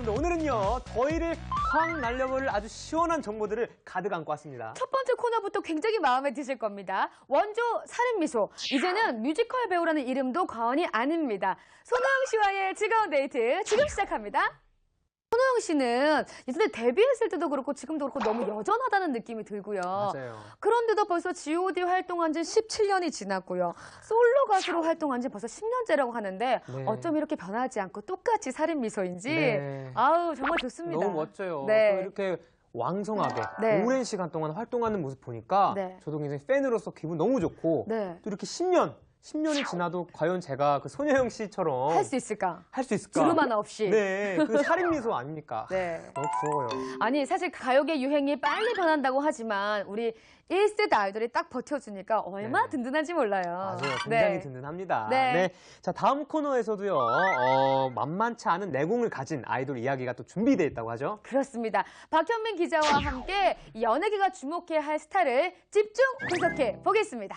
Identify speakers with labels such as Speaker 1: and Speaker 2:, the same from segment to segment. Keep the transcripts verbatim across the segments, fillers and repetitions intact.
Speaker 1: 반갑습니다. 오늘은요, 더위를 확 날려버릴 아주 시원한 정보들을 가득 안고 왔습니다.
Speaker 2: 첫 번째 코너부터 굉장히 마음에 드실 겁니다. 원조 살인미소. 이제는 뮤지컬 배우라는 이름도 과언이 아닙니다. 손호영 씨와의 즐거운 데이트 지금 시작합니다. 손호영 씨는 예전에 데뷔했을 때도 그렇고 지금도 그렇고 너무 여전하다는 느낌이 들고요.
Speaker 1: 맞아요.
Speaker 2: 그런데도 벌써 지 오 디 활동한 지 십칠 년이 지났고요. 솔로 가수로 활동한 지 벌써 십 년째라고 하는데
Speaker 1: 네.
Speaker 2: 어쩜 이렇게 변하지 않고 똑같이 살인미소인지
Speaker 1: 네.
Speaker 2: 아우 정말 좋습니다.
Speaker 1: 너무 멋져요.
Speaker 2: 네.
Speaker 1: 또 이렇게 왕성하게
Speaker 2: 네.
Speaker 1: 오랜 시간 동안 활동하는 모습 보니까
Speaker 2: 네.
Speaker 1: 저도 굉장히 팬으로서 기분 너무 좋고
Speaker 2: 네.
Speaker 1: 또 이렇게 십 년, 십 년이 지나도 과연 제가 그 손혜영 씨처럼
Speaker 2: 할 수 있을까?
Speaker 1: 할 수 있을까?
Speaker 2: 주름 하나 없이.
Speaker 1: 네, 그 살인미소 아닙니까?
Speaker 2: 네.
Speaker 1: 너무 부러워요.
Speaker 2: 아니 사실 가요계 유행이 빨리 변한다고 하지만 우리 일 세대 아이돌이 딱 버텨주니까 얼마나
Speaker 1: 네.
Speaker 2: 든든한지 몰라요.
Speaker 1: 맞아요. 굉장히
Speaker 2: 네.
Speaker 1: 든든합니다.
Speaker 2: 네.
Speaker 1: 네. 자, 다음 코너에서도요, 어, 만만치 않은 내공을 가진 아이돌 이야기가 또 준비되어 있다고 하죠.
Speaker 2: 그렇습니다. 박현민 기자와 함께 이 연예계가 주목해야 할 스타를 집중 분석해 보겠습니다.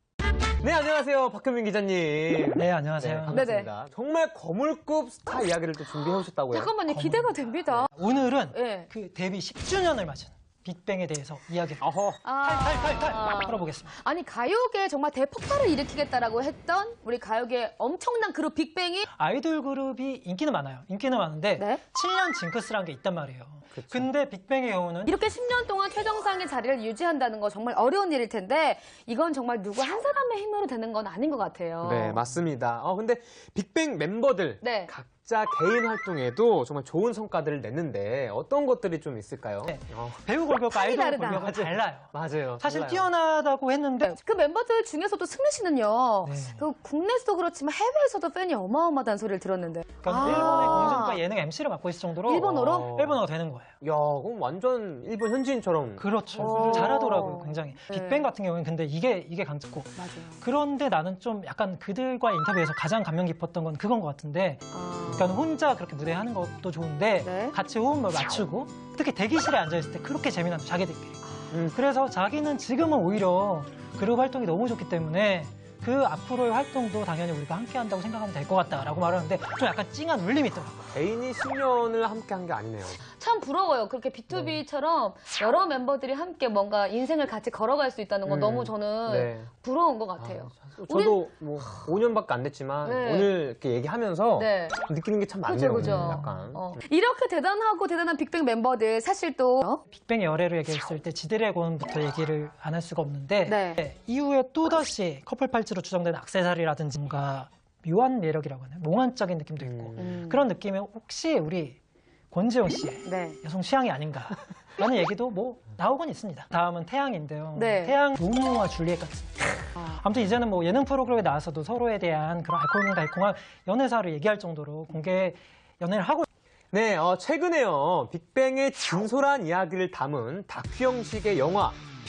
Speaker 1: 네, 안녕하세요. 박현민 기자님.
Speaker 3: 네, 안녕하세요.
Speaker 1: 네, 반갑습니다. 정말 거물급 스타 이야기를 또 준비해 오셨다고요.
Speaker 2: 잠깐만요. 기대가 됩니다.
Speaker 3: 오늘은
Speaker 2: 네.
Speaker 3: 그 데뷔 십 주년을 맞은 빅뱅에 대해서 이야기를
Speaker 1: 어허.
Speaker 3: 탈탈탈탈
Speaker 2: 아.
Speaker 3: 풀어보겠습니다.
Speaker 2: 아니 가요계 정말 대폭발을 일으키겠다라고 했던 우리 가요계 엄청난 그룹 빅뱅이
Speaker 3: 아이돌 그룹이 인기는 많아요. 인기는 많은데
Speaker 2: 네.
Speaker 3: 칠 년 징크스라는 게 있단 말이에요.
Speaker 1: 그쵸.
Speaker 3: 근데 빅뱅의 경우는
Speaker 2: 이렇게 십 년 동안 최정상의 자리를 유지한다는 거 정말 어려운 일일 텐데 이건 정말 누구 한 사람의 힘으로 되는 건 아닌 것 같아요.
Speaker 1: 네, 맞습니다. 어, 근데 빅뱅 멤버들
Speaker 2: 네.
Speaker 1: 각자 개인 활동에도 정말 좋은 성과들을 냈는데 어떤 것들이 좀 있을까요?
Speaker 3: 네.
Speaker 1: 어,
Speaker 3: 배우 골격과
Speaker 2: 판이
Speaker 3: 아이돌
Speaker 2: 다르다.
Speaker 3: 골격은 달라요.
Speaker 1: 맞아요.
Speaker 3: 사실
Speaker 1: 달라요.
Speaker 3: 뛰어나다고 했는데
Speaker 2: 그 멤버들 중에서도 승리 씨는요.
Speaker 3: 네.
Speaker 2: 그 국내에서도 그렇지만 해외에서도 팬이 어마어마하다는 소리를 들었는데.
Speaker 3: 그러니까
Speaker 2: 아.
Speaker 3: 일본의 공중파 예능 엠시를 맡고 있을 정도로
Speaker 2: 일본어로?
Speaker 1: 어.
Speaker 3: 일본어가 되는 거예요.
Speaker 1: 야, 그럼 완전 일본 현지인처럼.
Speaker 3: 그렇죠.
Speaker 2: 오.
Speaker 3: 잘하더라고요, 굉장히.
Speaker 2: 네.
Speaker 3: 빅뱅 같은 경우는 근데 이게 이게 강했고.
Speaker 2: 맞아요.
Speaker 3: 그런데 나는 좀 약간 그들과의 인터뷰에서 가장 감명 깊었던 건 그건 것 같은데,
Speaker 2: 아.
Speaker 3: 그러니까 혼자 그렇게 무대 하는 것도 좋은데
Speaker 2: 네.
Speaker 3: 같이 호흡을 맞추고 특히 대기실에 앉아 있을 때 그렇게 재미난 자기들끼리.
Speaker 1: 음.
Speaker 3: 그래서 자기는 지금은 오히려 그룹 활동이 너무 좋기 때문에 그 앞으로의 활동도 당연히 우리가 함께 한다고 생각하면 될 것 같다라고 말하는데 좀 약간 찡한 울림이 있더라고요.
Speaker 1: 개인이 십 년을 함께 한 게 아니네요.
Speaker 2: 참 부러워요. 그렇게 비투비처럼 여러 멤버들이 함께 뭔가 인생을 같이 걸어갈 수 있다는 건
Speaker 1: 음.
Speaker 2: 너무 저는
Speaker 1: 네.
Speaker 2: 부러운 것 같아요.
Speaker 1: 아, 저도 뭐 오 년밖에 안 됐지만
Speaker 2: 네.
Speaker 1: 오늘 이렇게 얘기하면서
Speaker 2: 네.
Speaker 1: 느끼는 게 참
Speaker 2: 그죠,
Speaker 1: 많네요.
Speaker 2: 그죠.
Speaker 1: 약간.
Speaker 2: 어. 이렇게 대단하고 대단한 빅뱅 멤버들 사실 또 어?
Speaker 3: 빅뱅의 열애를 얘기했을 때 지드래곤부터 얘기를 안 할 수가 없는데
Speaker 2: 네.
Speaker 3: 이후에 또다시 커플 팔찌로 추정되는 액세서리라든지 뭔가 묘한 매력이라고 하나요? 몽환적인 느낌도 있고
Speaker 2: 음.
Speaker 3: 그런 느낌에 혹시 우리 권지용 씨의
Speaker 2: 네.
Speaker 3: 여성 취향이 아닌가라는 얘기도 뭐 나오곤 있습니다. 다음은 태양인데요.
Speaker 2: 네.
Speaker 3: 태양 로미오와 줄리엣 같은.
Speaker 2: 아.
Speaker 3: 아무튼 이제는 뭐 예능 프로그램에 나와서도 서로에 대한 그런 알콩달콩한 연애사를 얘기할 정도로 공개 연애를 하고.
Speaker 1: 네, 어, 최근에요. 빅뱅의 진솔한 이야기를 담은 다큐 형식의 영화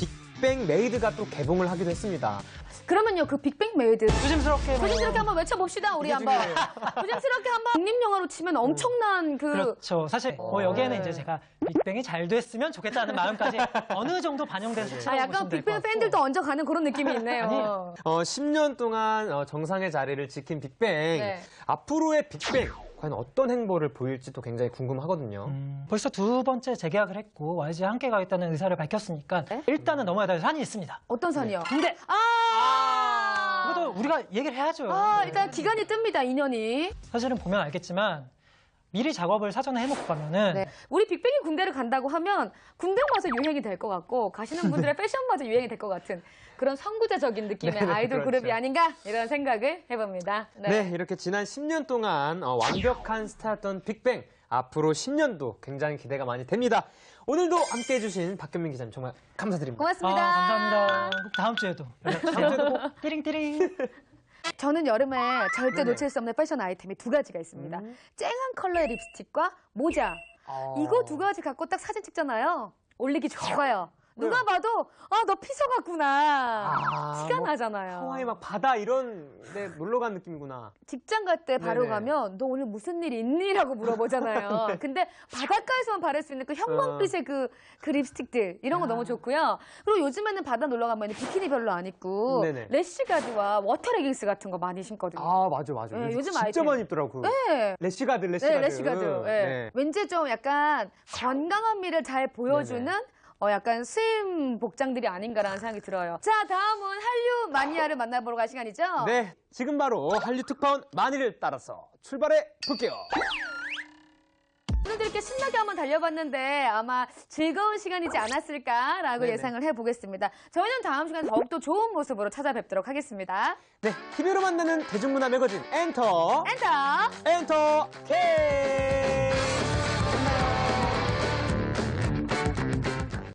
Speaker 1: 빅뱅 메이드가 또 개봉을 하기도 했습니다.
Speaker 2: 그러면요 그 빅뱅 메이드
Speaker 3: 조심스럽게 뭐-
Speaker 2: 조심스럽게 한번 외쳐봅시다 우리
Speaker 1: 이게
Speaker 2: 한번
Speaker 1: 중요해요.
Speaker 2: 조심스럽게 한번 독립영화로 치면 엄청난 그
Speaker 3: 그렇죠. 사실 뭐 여기에는
Speaker 2: 네.
Speaker 3: 이제 제가 빅뱅이 잘 됐으면 좋겠다는 마음까지 어느 정도 반영돼서
Speaker 2: 아,
Speaker 3: 치라고
Speaker 2: 약간
Speaker 3: 보시면 될 것
Speaker 2: 빅뱅
Speaker 3: 같고.
Speaker 2: 팬들도 얹어가는 그런 느낌이 있네요.
Speaker 3: 아니에요.
Speaker 1: 어, 십 년 동안 어, 정상의 자리를 지킨 빅뱅.
Speaker 2: 네.
Speaker 1: 앞으로의 빅뱅. 과연 어떤 행보를 보일지도 굉장히 궁금하거든요.
Speaker 3: 음, 벌써 두 번째 재계약을 했고 와이지와 함께 가겠다는 의사를 밝혔으니까
Speaker 2: 네?
Speaker 3: 일단은 넘어야 될 산이 있습니다.
Speaker 2: 어떤 산이요?
Speaker 3: 근데
Speaker 2: 아,
Speaker 3: 이것도 우리가 얘기를 해야죠.
Speaker 2: 아 일단 기간이 뜹니다 이 년이.
Speaker 3: 사실은 보면 알겠지만 미리 작업을 사전에 해놓고 가면은
Speaker 2: 네. 우리 빅뱅이 군대를 간다고 하면 군대마저 유행이 될 것 같고 가시는 분들의 패션마저 유행이 될 것 같은 그런 선구자적인 느낌의
Speaker 1: 네네,
Speaker 2: 아이돌
Speaker 1: 그렇죠.
Speaker 2: 그룹이 아닌가 이런 생각을 해봅니다.
Speaker 1: 네. 이렇게 지난 십 년 동안 어, 완벽한 스타였던 빅뱅. 앞으로 십 년도 굉장히 기대가 많이 됩니다. 오늘도 함께 해주신 박현민 기자님 정말 감사드립니다.
Speaker 2: 고맙습니다.
Speaker 3: 아, 감사합니다. 꼭 다음 주에도 다음 주에도 꼭 띠링띠링.
Speaker 2: 저는 여름에 절대
Speaker 1: 네네.
Speaker 2: 놓칠 수 없는 패션 아이템이 두 가지가 있습니다.
Speaker 1: 음.
Speaker 2: 쨍한 컬러의 립스틱과 모자.
Speaker 1: 어.
Speaker 2: 이거 두 가지 갖고 딱 사진 찍잖아요. 올리기 좋아요. 누가
Speaker 1: 네.
Speaker 2: 봐도 아, 너 피서 같구나.
Speaker 1: 아,
Speaker 2: 티가
Speaker 1: 뭐
Speaker 2: 나잖아요.
Speaker 1: 하와이 막 바다 이런 데 놀러 간 느낌이구나.
Speaker 2: 직장 갈 때 바로
Speaker 1: 네네.
Speaker 2: 가면 너 오늘 무슨 일 있니? 라고 물어보잖아요.
Speaker 1: 네.
Speaker 2: 근데 바닷가에서만 바를 수 있는 그 형광빛의 그, 그 립스틱들 이런 거
Speaker 1: 야.
Speaker 2: 너무 좋고요. 그리고 요즘에는 바다 놀러 가면 비키니 별로 안 입고
Speaker 1: 네네.
Speaker 2: 래쉬가드와 워터 레깅스 같은 거 많이 신거든요.
Speaker 1: 아, 맞아, 맞아.
Speaker 2: 네,
Speaker 1: 요즘
Speaker 2: 요즘
Speaker 1: 진짜
Speaker 2: 아이템.
Speaker 1: 많이 입더라고.
Speaker 2: 네.
Speaker 1: 래쉬가드, 래쉬가드.
Speaker 2: 네, 래쉬가드. 네.
Speaker 1: 네.
Speaker 2: 왠지 좀 약간 건강한 미를 잘 보여주는
Speaker 1: 네네.
Speaker 2: 어, 약간 스임 복장들이 아닌가라는 생각이 들어요. 자, 다음은 한류 마니아를 만나보러 갈 시간이죠?
Speaker 1: 네, 지금 바로 한류 특파원 마니를 따라서 출발해 볼게요.
Speaker 2: 오늘도 이렇게 신나게 한번 달려봤는데 아마 즐거운 시간이지 않았을까라고
Speaker 1: 네네.
Speaker 2: 예상을 해보겠습니다. 저희는 다음 시간에 더욱더 좋은 모습으로 찾아뵙도록 하겠습니다.
Speaker 1: 네, 티비로 만나는 대중문화 매거진 엔터,
Speaker 2: 엔터!
Speaker 1: 엔터 K!